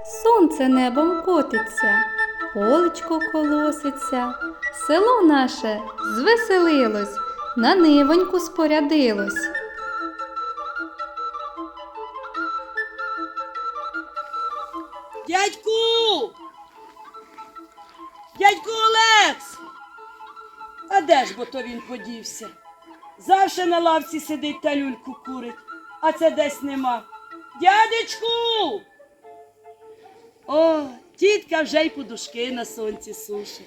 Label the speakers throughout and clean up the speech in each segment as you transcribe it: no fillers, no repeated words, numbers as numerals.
Speaker 1: Сонце небом котиться, полечко колоситься, село наше звеселилось, на нивоньку спорядилось.
Speaker 2: Дядьку! Дядьку Олекс! А де ж бо то він подівся? Завше на лавці сидить та люльку курить, а це десь нема. Дядечку! О, тітка вже й подушки на сонці сушить.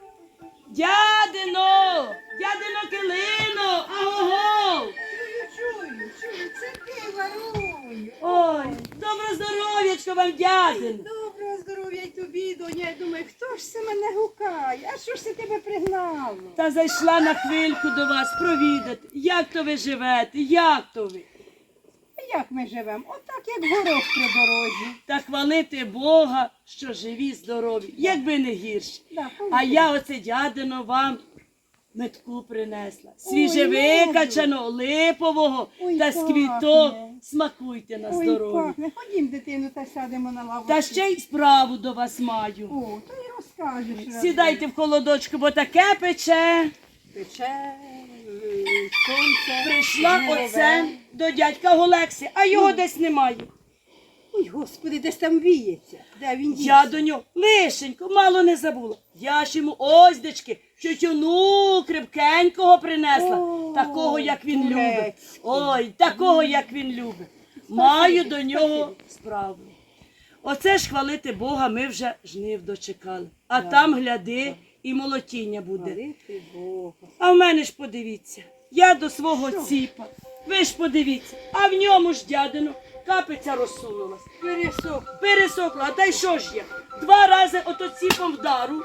Speaker 2: Дядино! Дядино Килино! Аго-го!
Speaker 3: Чую, це ти, Варуню.
Speaker 2: Ой, добро здоров'ячко вам, дядин!
Speaker 3: Доброго здоров'я й тобі, доня. Я думаю, хто ж це мене гукає? А що ж це тебе пригнало?
Speaker 2: Та зайшла на хвильку до вас провідати. Як то ви живете? Як то ви?
Speaker 3: А як ми живемо? Отак, як горох при дорозі.
Speaker 2: Та хвалити Бога, що живі, здорові, якби не гірші.
Speaker 3: Да,
Speaker 2: А я оце, дядино, вам метку принесла. Свіжевикачаного, липового
Speaker 3: Ой,
Speaker 2: та з
Speaker 3: пахне.
Speaker 2: квіток. Смакуйте на
Speaker 3: Ой,
Speaker 2: здоров'я.
Speaker 3: пахне. Ходім, дитину, та сядемо на лаву.
Speaker 2: Та ще й справу до вас маю.
Speaker 3: О, то й розкажеш.
Speaker 2: Сідайте в холодочку, бо таке пече.
Speaker 3: Пече, сонце.
Speaker 2: Прийшла
Speaker 3: жниве.
Speaker 2: оце до дядька Олекси, а його десь немає.
Speaker 3: Ой, Господи, десь там віється. Де він дівся?
Speaker 2: Я до нього лишенько, мало не забула. Я ж йому оздечки, тютюну крепкенького принесла.
Speaker 3: О,
Speaker 2: Такого, як він любить.
Speaker 3: турецький.
Speaker 2: Ой, такого, як він любить. Маю до нього справу. Оце ж хвалити Бога, ми вже жнив дочекали. А там, гляди, і молотіння буде.
Speaker 3: Хвалити Бога.
Speaker 2: А в мене ж подивіться, я до свого ціпа. Ви ж подивіться, а в ньому ж, дядину, капиця розсунулась. Пересохла, а та й що ж я? 2 рази ото ціпом вдару,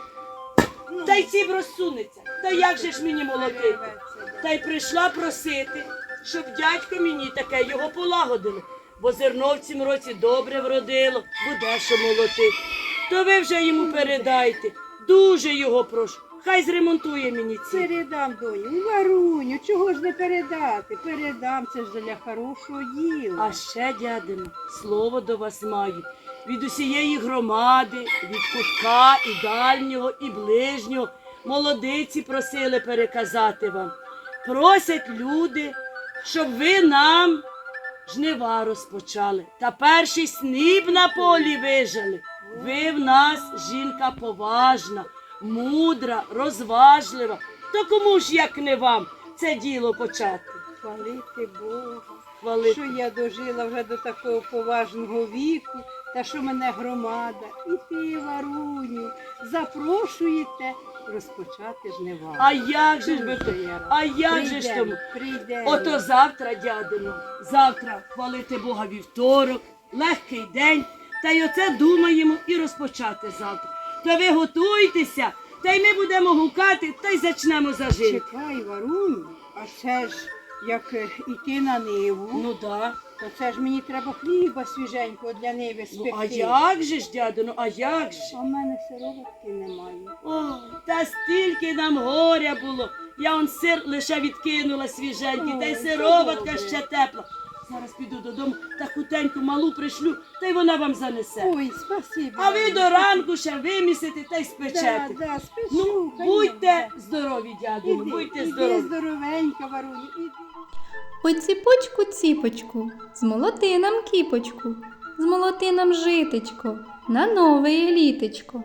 Speaker 2: та й ціп розсунеться. Та як же ж мені молотити? Та й прийшла просити, щоб дядько мені таке його полагодили. Бо зерно в цім році добре вродило, буде що молотити. То ви вже йому передайте, дуже його прошу, хай зремонтує мені ціп.
Speaker 3: Передам, доню. Варуню, чого ж не передати? Передам, це ж для хорошого діла.
Speaker 2: А ще, дядино, слово до вас маю. Від усієї громади, від кутка і дальнього, і ближнього. Молодиці просили переказати вам. Просять люди, щоб ви нам жнива розпочали. Та перший сніп на полі вижали. Ви в нас жінка поважна, мудра, розважлива. То кому ж, як не вам, це діло почати?
Speaker 3: Хвалити Бога,
Speaker 2: Хвалити.
Speaker 3: що я дожила вже до такого поважного віку, та що мене громада і ти, Варуню, запрошуєте розпочати жнива.
Speaker 2: А як же ж ви
Speaker 3: Дуже я рада.
Speaker 2: А як же ж тому?
Speaker 3: Прийдемо.
Speaker 2: Ото завтра, дядино, завтра хвалити Бога вівторок, легкий день, та й оце думаємо і розпочати завтра. Та ви готуйтеся, та й ми будемо гукати, та й зачнемо зажити.
Speaker 3: Чекай, Варуню, а це ж як іти на ниву,
Speaker 2: Ну да.
Speaker 3: то це ж мені треба хліба свіженького для ниви спекти.
Speaker 2: Ну а як же ж, дядино, а як же?
Speaker 3: А в мене сироватки немає.
Speaker 2: Ой, та стільки нам горя було. Я он сир лише відкинула свіженький, та й
Speaker 3: Ой,
Speaker 2: сироватка
Speaker 3: добре.
Speaker 2: ще тепла. Зараз піду додому та хутеньку малу пришлю, та й вона вам занесе.
Speaker 3: Ой, спасибо.
Speaker 2: А ви до ранку ще вимісите та й спечете.
Speaker 3: Да, спешу,
Speaker 2: Ну,
Speaker 3: конечно.
Speaker 2: будьте здорові, дядю,
Speaker 3: Іди,
Speaker 2: будьте
Speaker 3: іди
Speaker 2: здорові.
Speaker 3: здоровенька, Варуню, іди.
Speaker 1: Ой, ціпочку, ціпочку, змолоти нам кіпочку, змолоти нам житечко, на нове літечко.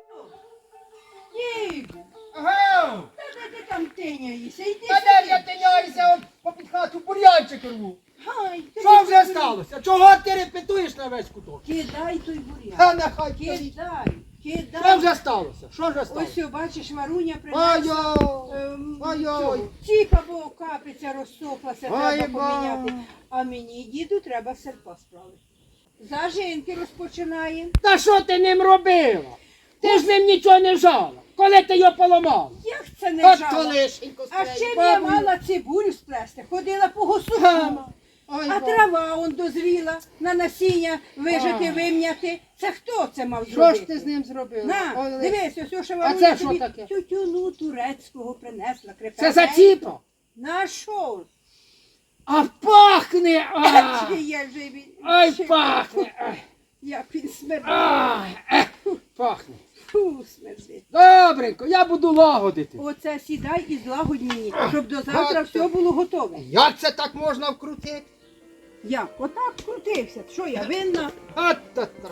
Speaker 3: Діду,
Speaker 4: Ага!
Speaker 3: де ти там тиняєшся? Іди
Speaker 4: Та де я
Speaker 3: сюди.
Speaker 4: тиняюся от попід хату бур'янчик рву?
Speaker 3: Ай, ти
Speaker 4: Що вже
Speaker 3: сюди.
Speaker 4: сталося? Чого ти репетуєш на весь куток?
Speaker 3: Кидай той буряк.
Speaker 4: Та нехай стоїть.
Speaker 3: Кидай,
Speaker 4: Що
Speaker 3: кидай.
Speaker 4: вже сталося? Що вже сталося?
Speaker 3: Ось, бачиш, Варуня принесла.
Speaker 4: Ой, ой.
Speaker 3: Ціпа, бо капиця розсохлася,
Speaker 4: Ой,
Speaker 3: треба
Speaker 4: ба.
Speaker 3: поміняти. А мені, діду, треба серпа справити. Зажинки розпочинає.
Speaker 4: Та що ти ним робила? Ти ж ним нічого не жала. Коли ти його поламала?
Speaker 3: Як це не
Speaker 4: От
Speaker 3: жала?
Speaker 4: колишенько
Speaker 3: А з чим я мала цибулю сплести? Ходила по госуку.
Speaker 4: Ой,
Speaker 3: А
Speaker 4: ба.
Speaker 3: трава он дозріла, на насіння вижити,
Speaker 4: А.
Speaker 3: вим'яти. Це хто це мав
Speaker 4: Що
Speaker 3: зробити?
Speaker 4: ж ти з ним зробила?
Speaker 3: На,
Speaker 4: Ой, Лесь.
Speaker 3: дивись, ось що
Speaker 4: А
Speaker 3: Варуня
Speaker 4: це що
Speaker 3: тобі
Speaker 4: таке?
Speaker 3: тютюну турецького принесла.
Speaker 4: Це за ціпа?
Speaker 3: На що?
Speaker 4: А пахне! А!
Speaker 3: Чи я вже
Speaker 4: Ай, пахне! Ай.
Speaker 3: Як він смердить.
Speaker 4: Ай, пахне.
Speaker 3: Фу, смердить.
Speaker 4: Добренько, я буду лагодити.
Speaker 3: Оце сідай і злагодні, щоб до завтра все було готове.
Speaker 4: Як це так можна вкрутити?
Speaker 3: Як? Отак крутився. Що я винна?
Speaker 4: От-та-та.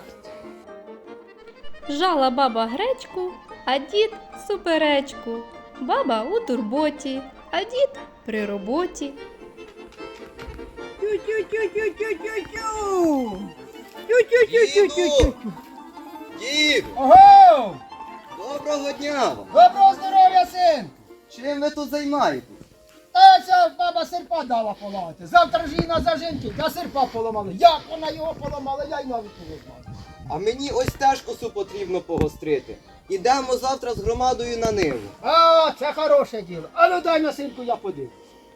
Speaker 1: Жала баба гречку, а дід суперечку. Баба у турботі, а дід при роботі.
Speaker 3: Тю-тю-тю-тю-тю-тю-тю. Тю-тю-тю-тю-тю-тю.
Speaker 5: Дід,
Speaker 4: Ого!
Speaker 5: доброго дня вам!
Speaker 4: Доброго здоров'я, син!
Speaker 5: Чим ви тут займаєтесь?
Speaker 4: Та ця баба серпа дала поламати. Завтра ж її на зажинки, та серпа поламали. Як вона його поламала, я й навіть не знаю.
Speaker 5: А мені ось теж косу потрібно погострити. Ідемо завтра з громадою на ниву.
Speaker 4: А, це хороше діло. А ну дай на синку, я подивлюсь.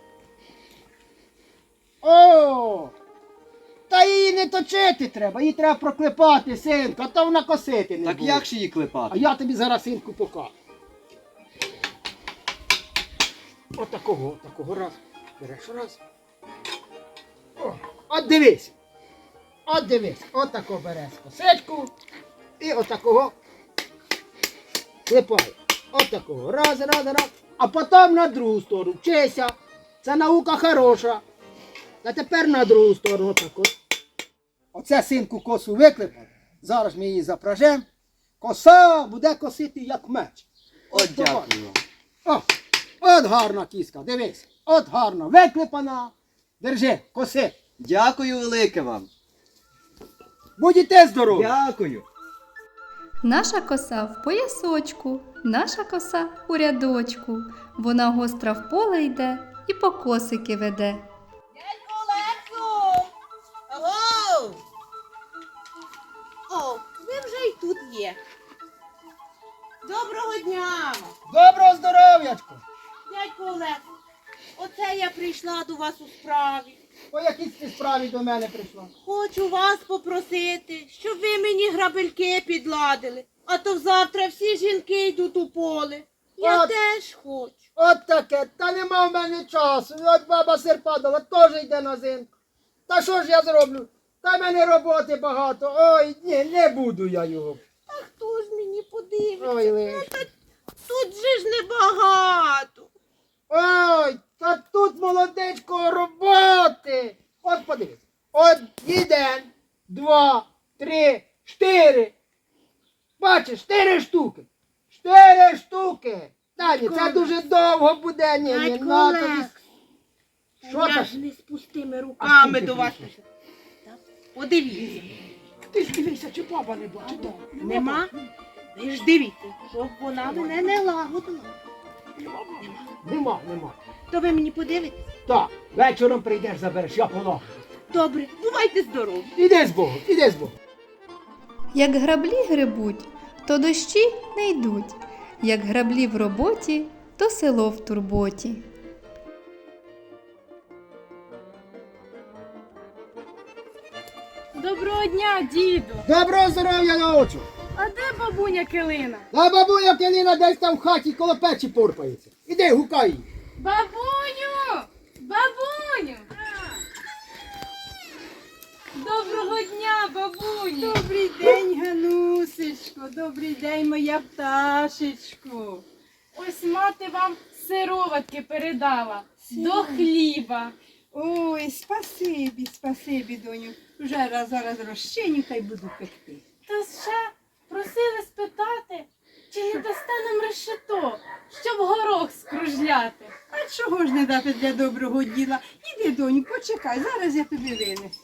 Speaker 4: О! Та її не точити треба, її треба проклепати, синку, а то вона косити не
Speaker 5: Так
Speaker 4: буде.
Speaker 5: як ж її
Speaker 4: А
Speaker 5: клепати?
Speaker 4: я тобі зараз, синку, покажу. Отакого раз. Береш раз. О, от дивись. От дивись. Отако береш косичку. І отакого клепай. Отакого. Раз. А потім на другу сторону. Вчися. Це наука хороша. А тепер на другу сторону. Отако. Оце, синку, косу виклепав. Зараз ми її запражемо. Коса буде косити як меч.
Speaker 5: От
Speaker 4: давай.
Speaker 5: дякую вам.
Speaker 4: О, от гарна кіска, дивись. От гарна, виклепана. Держи, коси.
Speaker 5: Дякую велике вам.
Speaker 4: Будьте здорові.
Speaker 5: Дякую.
Speaker 1: Наша коса в поясочку, наша коса у рядочку. Вона гостра в поле йде і по косики веде.
Speaker 6: Дядько Олексу! Аго! О, ви вже й тут є. Доброго дня!
Speaker 4: Доброго здоров'ячку.
Speaker 6: Дядько Олексу, оце я прийшла до вас у справі.
Speaker 4: По якій ти справі до мене прийшла?
Speaker 6: Хочу вас попросити, щоб ви мені грабельки підладили. А то завтра всі жінки йдуть у поле. Я
Speaker 4: От.
Speaker 6: теж хочу.
Speaker 4: От таке, та нема в мене часу. От баба серпа дала, теж йде на зинку. Та що ж я зроблю? Та в мене роботи багато. Ой, ні, не буду я його.
Speaker 6: А хто ж мені подивиться?
Speaker 4: Ой, лиш.
Speaker 6: Тут же ж небагато.
Speaker 4: Ой, та тут, молодечко, роботи. От подивись. От 1, 2, 3, 4. Бачиш, 4 штуки. 4 штуки. Тані, це дуже довго буде. Ні,
Speaker 6: Дядько
Speaker 4: на тобі.
Speaker 6: Олег,
Speaker 4: Що
Speaker 6: я
Speaker 4: там?
Speaker 6: ж не з пустими
Speaker 4: А
Speaker 6: руками
Speaker 4: скільки
Speaker 6: до вас.
Speaker 4: прийшло?
Speaker 6: Так, подивіться.
Speaker 4: Ти ж дивися, чи баба не бачить.
Speaker 6: Нема? Ви ж дивіться, щоб вона мене не лагодила.
Speaker 4: Нема.
Speaker 6: То ви мені подивитесь?
Speaker 4: Так, вечором прийдеш, забереш, я полагаю.
Speaker 6: Добре, бувайте здорові.
Speaker 4: Іди з Богом, іди з Богом.
Speaker 1: Як граблі гребуть, то дощі не йдуть. Як граблі в роботі, то село в турботі.
Speaker 7: Доброго дня, діду!
Speaker 4: Доброго здоров'я на очі.
Speaker 7: А де бабуня Килина?
Speaker 4: Та бабуня Килина десь там в хаті коло печі порпається. Іди, гукай її.
Speaker 7: Бабуню! Бабуню! Доброго дня, бабуню!
Speaker 3: Добрий день, Ганусечко. Добрий день, моя пташечко.
Speaker 7: Ось мати вам сироватки передала до хліба.
Speaker 3: Ой, спасибі, доню. Вже зараз розчиню та й буду пекти.
Speaker 7: Та ще просили спитати, чи не дасте нам решето, щоб горох скружляти.
Speaker 3: А чого ж не дати для доброго діла? Іди, доню, почекай, зараз я тобі винесу.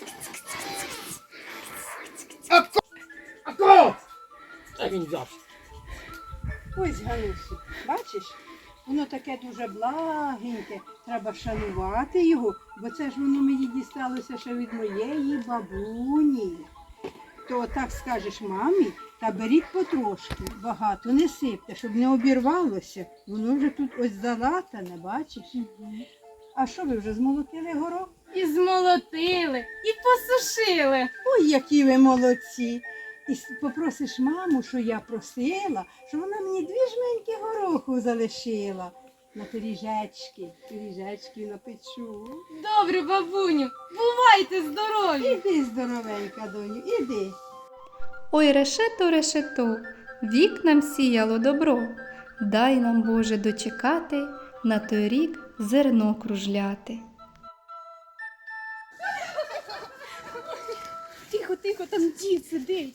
Speaker 4: А кого? Та він взявся.
Speaker 3: Ось, Ганусю, бачиш? Воно таке дуже благеньке, треба шанувати його, бо це ж воно мені дісталося ще від моєї бабуні. То так скажеш мамі, та беріть потрошки, багато не сипте, щоб не обірвалося. Воно вже тут ось залатане, бачиш? А що ви вже змолотили горох?
Speaker 7: І змолотили, і посушили.
Speaker 3: Ой, які ви молодці! І попросиш маму, що я просила, що вона мені 2 жменьки гороху залишила. На пиріжечки напечу.
Speaker 7: Добре, бабуню, бувайте здорові!
Speaker 3: Іди, здоровенька, доню, іди.
Speaker 1: Ой, решето, решето, вік нам сіяло добро. Дай нам, Боже, дочекати, на той рік зерно кружляти.
Speaker 7: Тихо, тихо, там дід сидить.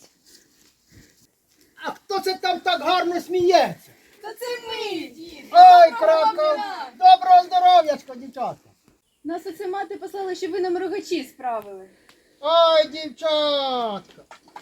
Speaker 4: А хто це там так гарно сміється?
Speaker 7: Та це ми, дід.
Speaker 4: Ой, крапка, доброго здоров'ячка, дівчатка.
Speaker 7: Нас оце мати послала, щоб ви нам рогачі справили.
Speaker 4: Ой, дівчатка.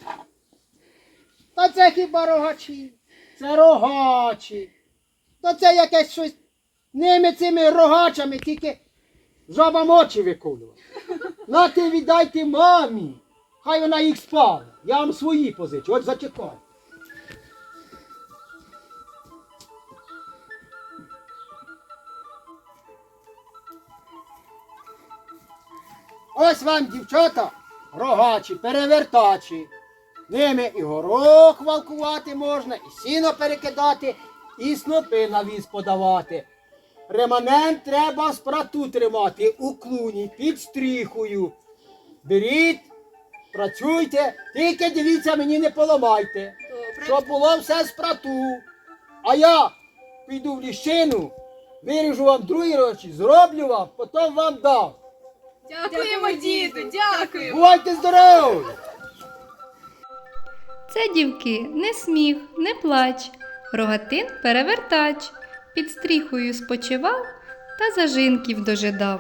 Speaker 4: Та це хіба рогачі? Це рогачі. Та це якесь щось ними цими рогачами, тільки жабам очі виколювати. На ти віддайте мамі. Хай вона їх спала. Я вам свої позичу, от зачекай. Ось вам, дівчата, рогачі, перевертачі. Ними і горох валкувати можна, і сіно перекидати, і снопи на віз подавати. Реманент треба в спрату тримати у клуні, під стріхою. Беріть, працюйте, тільки дивіться, мені не поламайте. Щоб було все в спрату. А я піду в ліщину, виріжу вам другі речі, зроблю вам, потім вам дам.
Speaker 7: Дякуємо, діду, дякуємо.
Speaker 4: Бувайте здорові!
Speaker 1: Це, дівки, не сміх, не плач, рогатин перевертач, під стріхою спочивав та зажинків дожидав.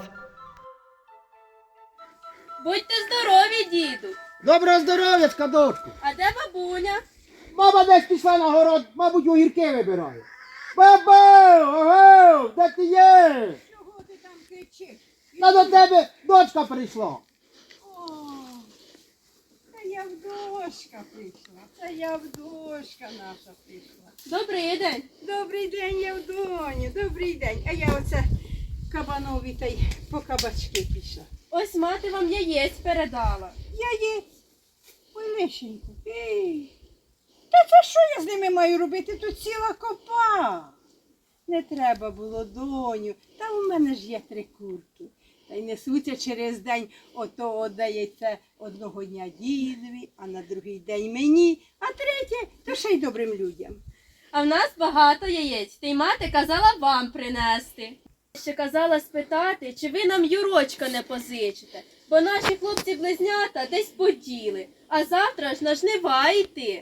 Speaker 7: Будьте здорові, діду.
Speaker 4: Доброго здоров'ячка, дочку!
Speaker 7: А де бабуня?
Speaker 4: Баба десь пішла на город, мабуть, огірки вибирає. Баба! Ого! Де ти є?
Speaker 3: Чого ти там кричиш?
Speaker 4: Та до тебе дочка прийшла.
Speaker 3: О, це Явдошка прийшла. Це Явдошка наша прийшла.
Speaker 7: Добрий день.
Speaker 3: Добрий день, Явдоню, добрий день. А я оце кабанові та й по кабачки пішла.
Speaker 7: Ось мати вам яєць передала.
Speaker 3: Яєць. Ой, лишенько. Ей. Та це що я з ними маю робити? Тут ціла копа. Не треба було, доню. Та у мене ж є 3 курки. Та й несуться через день, ото отдається одного дня дідові, а на другий день мені, а третє, то ще й добрим людям.
Speaker 7: А в нас багато яєць, та й мати казала вам принести. Ще казала спитати, чи ви нам Юрочка не позичите, бо наші хлопці-близнята десь поділи, а завтра ж на жнива йти.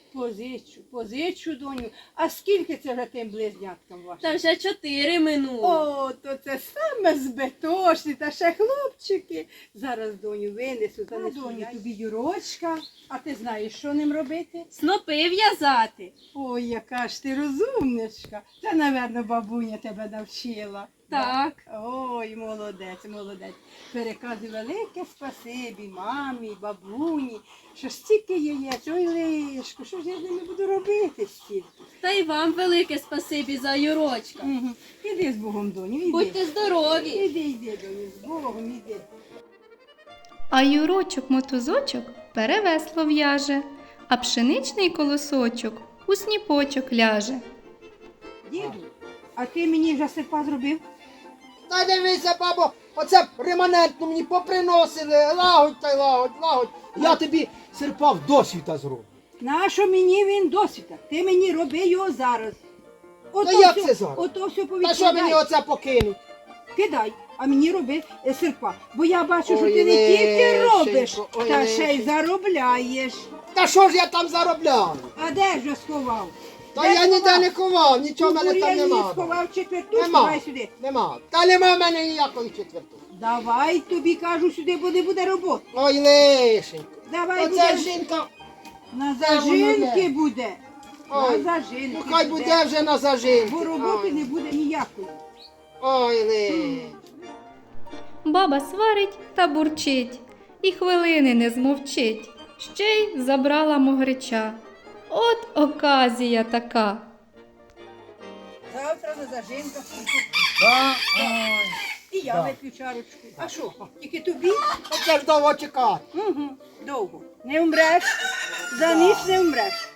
Speaker 3: Позичу, доню. А скільки це вже тим близняткам вашим?
Speaker 7: Та вже 4 минуло.
Speaker 3: О, то це саме збитошні, та ще хлопчики. Зараз доню винесу, занесу доню тобі Юрочка. А ти знаєш, що ним робити?
Speaker 7: Снопи в'язати.
Speaker 3: Ой, яка ж ти розумничка. Це, напевно, бабуня тебе навчила.
Speaker 7: Так.
Speaker 3: Ой, молодець, молодець. Переказуй велике спасибі мамі, бабуні, що стільки яєць, ой, лишку, що ж я з ними буду робити стільки?
Speaker 7: Та й вам велике спасибі за Юрочка.
Speaker 3: Угу. Іди з Богом, доню, іди.
Speaker 7: Будьте здорові.
Speaker 3: Іди, доню, з Богом, іди.
Speaker 1: А Юрочок-мотузочок перевесло в'яже, а пшеничний колосочок у сніпочок ляже.
Speaker 3: Діду, а ти мені вже серпа зробив?
Speaker 4: Та дивися, бабо, оце реманентну мені поприносили. Лагодь та й лагодь. Я тобі серпа в досвіта зроблю.
Speaker 3: Нащо мені він досвіта? Ти мені роби його зараз.
Speaker 4: Та як це зараз?
Speaker 3: Ото все
Speaker 4: Та що мені оце покинуть?
Speaker 3: Кидай, а мені роби серпа. Бо я бачу, що
Speaker 4: Ой,
Speaker 3: ти не тільки
Speaker 4: лишенько,
Speaker 3: робиш,
Speaker 4: ой,
Speaker 3: та ще й
Speaker 4: лишенько.
Speaker 3: заробляєш.
Speaker 4: Та що ж я там заробляю?
Speaker 3: А де ж я сховав?
Speaker 4: Та
Speaker 3: Де
Speaker 4: я
Speaker 3: сховав?
Speaker 4: ніде не ховав, нічого в
Speaker 3: У
Speaker 4: мене там
Speaker 3: бур'яні
Speaker 4: нема.
Speaker 3: сховав четвертушку,
Speaker 4: Нема,
Speaker 3: давай сюди.
Speaker 4: нема. Та нема в мене ніякої четвертої.
Speaker 3: Давай тобі кажу сюди, бо не буде роботи.
Speaker 4: Ой, лишенько.
Speaker 3: Давай
Speaker 4: Оце
Speaker 3: буде.
Speaker 4: жінка.
Speaker 3: На
Speaker 4: Де воно
Speaker 3: зажинки
Speaker 4: є?
Speaker 3: буде.
Speaker 4: Ой,
Speaker 3: На зажинки
Speaker 4: Ну хай буде вже на зажинки.
Speaker 3: Бо роботи не буде ніякої.
Speaker 4: Ой, лишенько.
Speaker 1: Баба сварить та бурчить, і хвилини не змовчить, ще й забрала могрича. От оказія така.
Speaker 3: Завтра на зажинках.
Speaker 4: Да? Ой.
Speaker 3: І я
Speaker 4: Да.
Speaker 3: вип'ю чарочку. А що? Тільки тобі?
Speaker 4: Оце ж довго чекати.
Speaker 3: Угу. Довго. Не вмреш. За ніч не вмреш.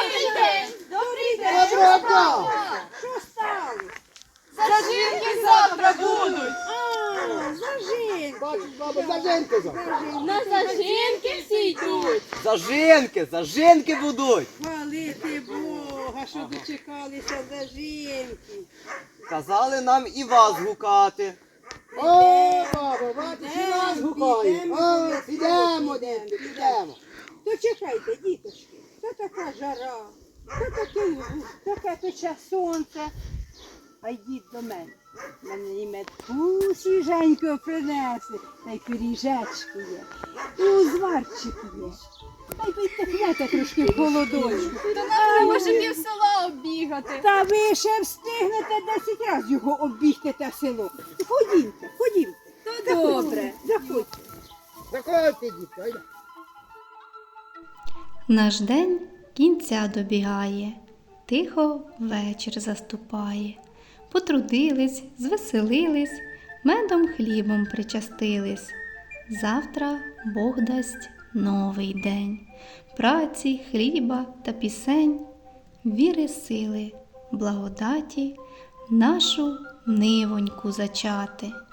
Speaker 4: Доброго дня.
Speaker 3: Що стало?
Speaker 6: Зажинки завтра
Speaker 2: будуть.
Speaker 3: А, зажинки.
Speaker 4: Бачиш, баба, зажинки завтра.
Speaker 7: На зажинки всі йдуть.
Speaker 5: Зажинки будуть.
Speaker 3: Хвалити Бога, що дочекалися зажинки.
Speaker 5: Казали нам і вас гукати.
Speaker 4: О, баба, бачиш, і нас гукає. О, підемо, дітки, підемо.
Speaker 3: То чекайте, діточки, то така жара, то таке пече сонце. А йдіть до мене. Мене і медку свіженького принесли, та й пиріжечки є, і узварчики є. Та й підтихнете трошки в холодочку.
Speaker 1: Та нам може пів села оббігати.
Speaker 3: Та ви ще встигнете 10 разів його оббігти те село. Ходімте, ходімте.
Speaker 1: То добре.
Speaker 3: Заходьте.
Speaker 4: Заходьте, дітки, айда.
Speaker 1: Наш день кінця добігає, тихо вечір заступає. Потрудились, звеселились, медом хлібом причастились. Завтра Бог дасть новий день, праці, хліба та пісень, віри, сили, благодаті, нашу нивоньку зачати.